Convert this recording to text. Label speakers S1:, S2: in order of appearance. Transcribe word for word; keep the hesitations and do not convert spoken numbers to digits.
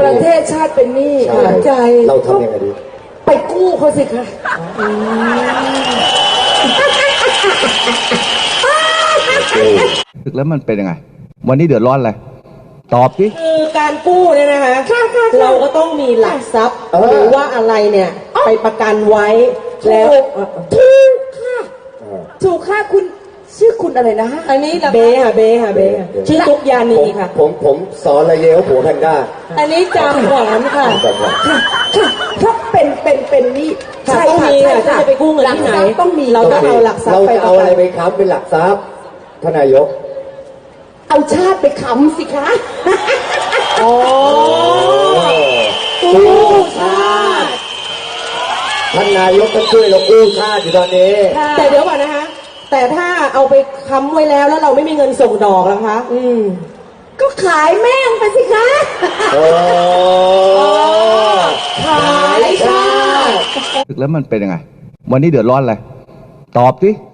S1: ประเทศชาติเป็นหนี้หัวใจ
S2: เราทำยังไงดี
S1: ไปกู้เขาสิคะ
S3: แล้วมันเป็นยังไงวันนี้เดือดร้อนอะไรตอบสิ
S4: คือการกู้เนี่ยนะคะเราก็ต้องมีหลักทรัพย์หรือว่าอะไรเนี่ยไปประกันไว้แล้ว
S1: ถูกค่ะถูกค่ะคุณชื่อคุณอะไรนะ
S4: อันนี้เบค่ะเบค่ะเบชื่อตุกยานีค่ะ
S2: ผมผมสอนอะไรเยอะผัวแพนด้า
S4: อันนี้จำหวานค่ะ
S1: ค่ะเพราะเป็นเป็นเป็นนี่
S4: ใช่ค่ะใช่ค่ะจะไปกู้เงินที่ไหน
S1: ต้องมี
S4: เราต้องเอาหลักทรัพย์
S2: เรา
S4: ไป
S2: จะเอาอะไรไปค้ำเป็นหลักทรัพย์ทนายก
S1: เอาชาติไปค้ำสิคะ
S4: โอ้
S2: กู้ชาติท่านนายกต้องช่วยเรากู้ชาติอยู่ตอนนี้
S4: แต่เดี๋ยวก่อนนะคะแต่ถ้าเอาไปค้ำไว้แล้วแล้วเราไม่มีเงินส่งดอกล่ะคะ
S1: อืมก็ขายแม่งไปสิคะ
S2: โอ้
S1: ขายชาติ
S3: แล้วมันเป็นยังไงวันนี้เดือดร้อนอะไรตอบสิ